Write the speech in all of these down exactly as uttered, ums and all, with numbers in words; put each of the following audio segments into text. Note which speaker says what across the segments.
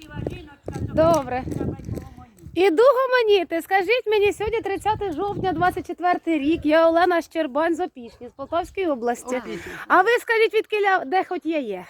Speaker 1: Добре. Іду гомоніти. Скажіть мені, сьогодні тридцяте жовтня, двадцять четвертий рік. Я Олена Щербань з Опішні, з Полтавської області. А ви скажіть, відкиля, де хоч я є?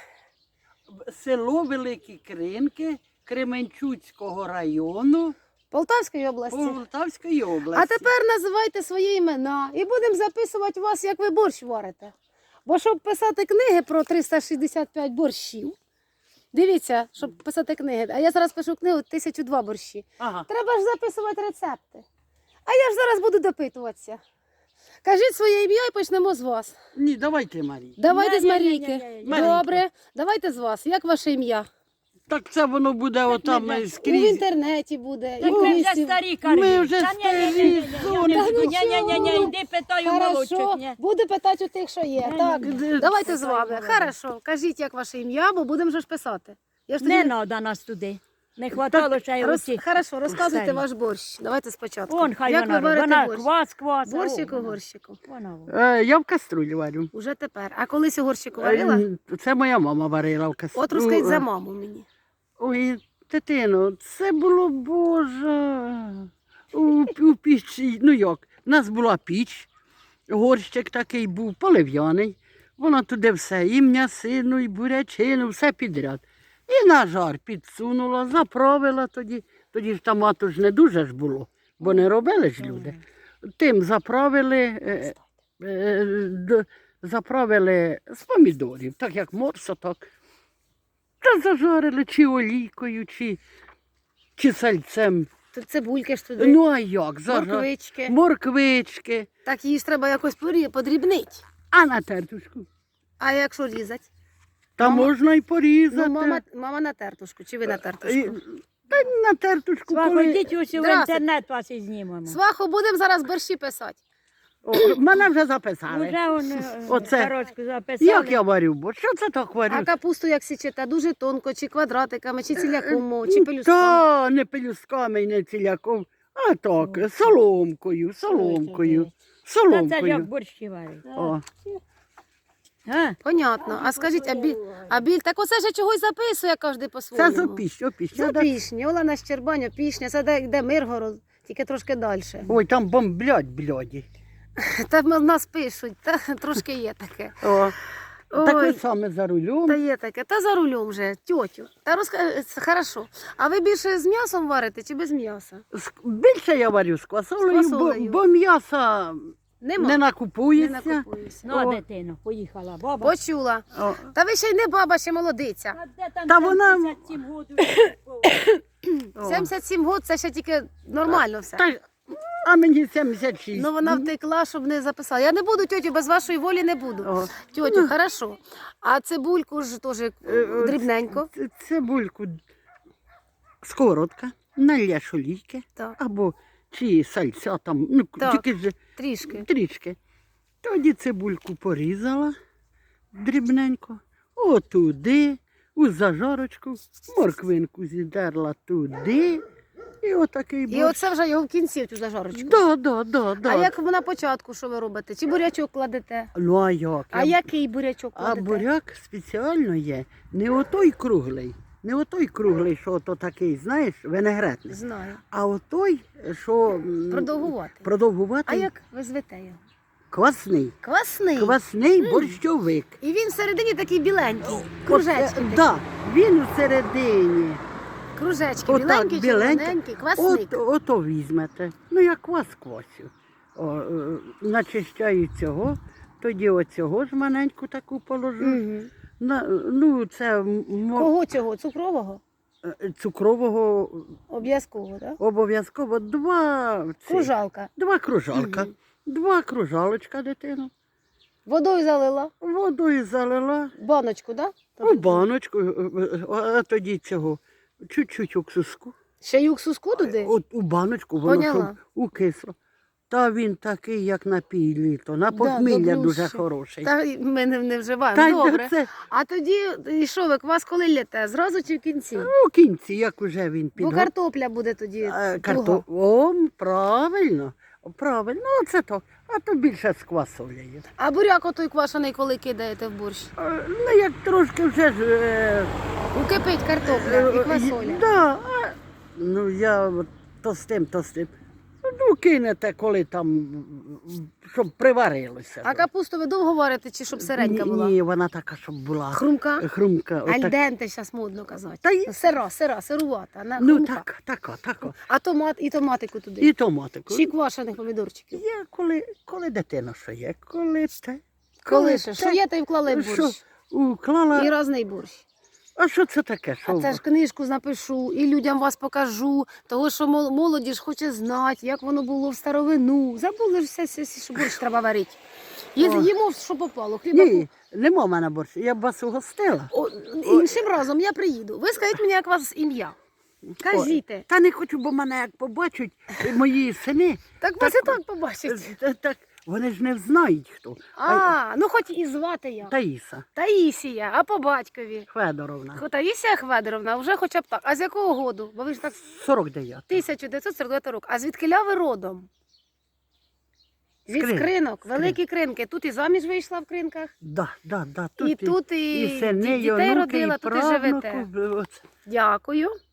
Speaker 2: Село Великі Кринки Кременчуцького району
Speaker 1: Полтавської області.
Speaker 2: Полтавської області.
Speaker 1: А тепер називайте свої імена і будемо записувати вас, як ви борщ варите. Бо щоб писати книги про триста шістдесят п'ять борщів, дивіться, щоб писати книги, а я зараз пишу книгу тисяча два борщі.
Speaker 2: Ага.
Speaker 1: Треба ж записувати рецепти. А я ж зараз буду допитуватися. Кажіть своє ім'я і почнемо з вас.
Speaker 2: Ні, давайте, Марія.
Speaker 1: Давайте з
Speaker 3: Ні-ні-ні-ні-ні.
Speaker 1: Марійки.
Speaker 2: Марійка.
Speaker 1: Добре, давайте з вас. Як ваше ім'я?
Speaker 2: Так це воно буде отам
Speaker 3: не-
Speaker 1: У
Speaker 2: скрізь.
Speaker 1: інтернеті буде.
Speaker 3: Так
Speaker 1: і в
Speaker 3: ми вже
Speaker 1: місті.
Speaker 3: старі кажуть.
Speaker 2: Ми вже
Speaker 3: Та ні, ні,
Speaker 2: старі,
Speaker 3: ні, ні,
Speaker 2: сонечко.
Speaker 3: ні, ні, ні, ні, ні, йди питаю
Speaker 1: Хорошо,
Speaker 3: молодших. ні.
Speaker 1: буду питати у тих, що є.
Speaker 3: Ні,
Speaker 1: Так,
Speaker 3: ні,
Speaker 2: ні.
Speaker 1: давайте з
Speaker 3: Питаю
Speaker 1: вами.
Speaker 3: молодих.
Speaker 1: Хорошо, кажіть, як ваше ім'я, бо будемо вже ж писати. Я ж
Speaker 3: Не
Speaker 1: тоді...
Speaker 3: треба нас туди. Не хватало ще й
Speaker 1: Роз...
Speaker 3: оці.
Speaker 1: Хорошо, розказуйте
Speaker 3: Старі.
Speaker 1: ваш борщ. Давайте спочатку.
Speaker 3: Вон хай
Speaker 1: як
Speaker 3: вона,
Speaker 1: ви варите
Speaker 3: вона
Speaker 1: борщ?
Speaker 3: квас, квас. а
Speaker 1: Борщику,
Speaker 3: о, вона.
Speaker 1: горщику.
Speaker 3: Вона, вона.
Speaker 2: Е, Я в каструлі варю.
Speaker 1: Уже тепер. А колись у горщику варила?
Speaker 2: Е, Це моя мама варила в каструлі.
Speaker 1: От розкажіть за маму мені.
Speaker 2: Ой, дитино, це було, Боже, у, у пічі, ну як, в нас була піч, горщик такий був, полив'яний, вона туди все, і м'ясину, і бурячину, все підряд. І на жар підсунула, заправила тоді, тоді ж томату ж не дуже ж було, бо не робили ж люди. Тим заправили, е, е, д- заправили з помідорів, так як морсо, так. Та зажарили чи олійкою, чи, чи сальцем.
Speaker 1: Тут цибульки ж туди,
Speaker 2: Ну а як? Зажар...
Speaker 1: морквички.
Speaker 2: Морквички.
Speaker 1: Так її ж треба якось порі- подрібнити.
Speaker 2: А на тертушку?
Speaker 1: А якщо різати?
Speaker 2: Та
Speaker 1: Мама-
Speaker 2: можна й порізати.
Speaker 1: Ну, мама, мама на тертушку, чи ви на
Speaker 2: І-
Speaker 1: тертушку?
Speaker 2: Та на тертушку,
Speaker 3: Свахо,
Speaker 2: коли...
Speaker 3: йдіть усі в
Speaker 1: Здравствуйте.
Speaker 3: інтернет вас і знімемо.
Speaker 1: Свахо, будемо зараз борщі писати.
Speaker 2: О, мене вже записали.
Speaker 3: Уже он е,
Speaker 2: Оце.
Speaker 3: сорочку записали.
Speaker 2: Як я варю? Бо що це так варю?
Speaker 1: А капусту як січете? Дуже тонко, чи квадратиками, чи ціляком, чи пелюстками?
Speaker 2: Та, не пелюсками і не ціляком, а так, соломкою, соломкою,
Speaker 3: Та це ж як
Speaker 2: соломкою.
Speaker 3: борщі варять.
Speaker 2: О.
Speaker 3: А?
Speaker 1: Понятно. А скажіть, а біль, а біль, так оце ж я чогось записує кожен
Speaker 2: Це
Speaker 1: по-своєму.
Speaker 2: з опіщ, опіщ.
Speaker 1: Це Опішня, Олена Щербань, Опішня, це де, де Миргород, тільки трошки далі.
Speaker 2: Ой, там бомблять, бляді.
Speaker 1: Та в нас пишуть, та трошки є таке.
Speaker 2: О. Так ви
Speaker 1: Ой,
Speaker 2: саме за рулем.
Speaker 1: та є таке, та за рулем вже, тьотю. Та розка... це хорошо. А ви більше з м'ясом варите чи без м'яса?
Speaker 2: З- Більше я варю з квасолею,
Speaker 1: З квасолею.
Speaker 2: Бо, бо м'яса
Speaker 1: Нема.
Speaker 2: не
Speaker 1: Не
Speaker 2: накупується.
Speaker 1: накупуюся.
Speaker 3: Ну, а
Speaker 2: О.
Speaker 3: дитино, поїхала баба.
Speaker 1: Почула.
Speaker 2: О.
Speaker 1: Та ви ще й не баба, ще молодиця.
Speaker 3: А де там
Speaker 2: Та вона-
Speaker 3: сімдесят сім годів?
Speaker 2: О.
Speaker 1: сімдесят сім років це ще тільки нормально все.
Speaker 2: Та, а мені сімдесят шість.
Speaker 1: Ну вона втекла, щоб не записала. Я не буду, тьотю, без вашої волі не буду.
Speaker 2: О.
Speaker 1: Тьотю, хорошо. А цибульку ж теж
Speaker 2: Е, е,
Speaker 1: дрібненько.
Speaker 2: ц- Цибульку, сковородка, налєш олійки,
Speaker 1: Так,
Speaker 2: або чи сальця там, ну
Speaker 1: Так.
Speaker 2: тільки ж
Speaker 1: трішки.
Speaker 2: трішки. Тоді цибульку порізала дрібненько, отуди, у зажарочку, морквинку зідерла туди. І отакий
Speaker 1: І
Speaker 2: борщ.
Speaker 1: оце вже його в кінці, цю зажарочку.
Speaker 2: Да, да, да, да.
Speaker 1: А як на початку, що ви робите? Чи бурячок кладете?
Speaker 2: Ну а як?
Speaker 1: А який бурячок
Speaker 2: А
Speaker 1: кладете?
Speaker 2: буряк спеціально є. Не отой круглий, не отой круглий, що то такий, знаєш, винегретний.
Speaker 1: Знаю.
Speaker 2: А отой, що м,
Speaker 1: Продовгувати.
Speaker 2: продовгуватий,
Speaker 1: А як ви звете його?
Speaker 2: квасний.
Speaker 1: Квасний.
Speaker 2: Квасний борщовик.
Speaker 1: І він всередині такий біленький.
Speaker 2: От,
Speaker 1: Кружечки.
Speaker 2: е,
Speaker 1: такі.
Speaker 2: да, він у середині.
Speaker 1: Кружечки
Speaker 2: Отак,
Speaker 1: біленькі,
Speaker 2: біленькі.
Speaker 1: червоненькі, квасник.
Speaker 2: От, ото візьмете. Ну, я квас квасю. О, е, начищаю цього, тоді оцього ж маленьку таку положу.
Speaker 1: Угу.
Speaker 2: На, ну, це м- мо-
Speaker 1: Кого цього? Цукрового?
Speaker 2: е, цукрового
Speaker 1: Обов'язково, так?
Speaker 2: обов'язково два, ці,
Speaker 1: Кружалка.
Speaker 2: два кружалка.
Speaker 1: Мгм.
Speaker 2: Два кружалочка дитину.
Speaker 1: Водою залила.
Speaker 2: Водою залила
Speaker 1: Баночку, так?
Speaker 2: у баночку, е, е, а тоді цього чуть-чуть уксуску.
Speaker 1: Ще й уксуску туди?
Speaker 2: От у баночку, воно
Speaker 1: Поняла.
Speaker 2: щоб укисло. Та він такий, як напій літо. На
Speaker 1: Да,
Speaker 2: похмілля
Speaker 1: добрющий.
Speaker 2: дуже хороший.
Speaker 1: Та й ми не, не вживаємо.
Speaker 2: Та й
Speaker 1: Добре.
Speaker 2: це
Speaker 1: А тоді, і що ви, квас коли лєте? Зразу чи в кінці?
Speaker 2: у кінці, як уже він
Speaker 1: Бо
Speaker 2: піде.
Speaker 1: картопля буде тоді.
Speaker 2: Е,
Speaker 1: туга.
Speaker 2: Карто... О, правильно, правильно, ну це так. а то більше з квасолею.
Speaker 1: А буряк отой квашений, коли кидаєте в борщ?
Speaker 2: Е, Ну, як трошки вже ж... е,
Speaker 1: Ну, кипить картопля і
Speaker 2: е,
Speaker 1: квасоля.
Speaker 2: Да, а, ну я от то з тим, то з тим. Ну, кинете, коли там, м, щоб приварилося.
Speaker 1: А капусту ви довго варите, чи щоб серенька
Speaker 2: Ні,
Speaker 1: була?
Speaker 2: Ні, вона така, щоб була.
Speaker 1: Хрумка?
Speaker 2: Хрумка. отак.
Speaker 1: Альденте зараз модно казати.
Speaker 2: Та й-
Speaker 1: Сира, сира, сирувата. На
Speaker 2: Ну,
Speaker 1: хрумка.
Speaker 2: так, тако, тако.
Speaker 1: А томат і томатику туди.
Speaker 2: І томатику.
Speaker 1: Чи квашених помідорчиків.
Speaker 2: Є, коли, коли дитина що є, коли те.
Speaker 1: Коли ще? Що
Speaker 2: те,
Speaker 1: є, то й вклали в
Speaker 2: що
Speaker 1: борщ.
Speaker 2: уклала.
Speaker 1: І різний борщ.
Speaker 2: А що це таке? Що?
Speaker 1: А це ж книжку напишу, і людям вас покажу, того, що мол- молоді ж хоче знати, як воно було в старовину. Забули ж все, все, все, що борщ треба варити. Є,
Speaker 2: О.
Speaker 1: їмо, що попало. Хліба
Speaker 2: Ні, нема в мене борщу. Я б вас угостила.
Speaker 1: О, іншим разом я приїду. Ви скажіть мені, як у вас ім'я. Кажіть.
Speaker 2: Та не хочу, бо мене як побачать мої сини,
Speaker 1: Так вас і так побачить.
Speaker 2: е, так вони ж не знають хто.
Speaker 1: А, ну хоч і звати я.
Speaker 2: Таїса
Speaker 1: Таїсія, а по батькові.
Speaker 2: Федоровна.
Speaker 1: Хо- Таїсія Хведоровна, вже хоча б так. А з якого году? Бо ви ж так
Speaker 2: сорок дев'ять.
Speaker 1: тисяча дев'ятсот сорок дев'ятого року. А звідкиля ви родом? Від
Speaker 2: Скрин-
Speaker 1: скринок,
Speaker 2: Скрин.
Speaker 1: великі кринки. Тут і заміж вийшла в кринках,
Speaker 2: Да, да, да. Тут
Speaker 1: і тут і,
Speaker 2: і сини,
Speaker 1: ді-
Speaker 2: і
Speaker 1: дітей
Speaker 2: онуки,
Speaker 1: родила,
Speaker 2: і
Speaker 1: тут і живете.
Speaker 2: правнуку. Оце.
Speaker 1: Дякую.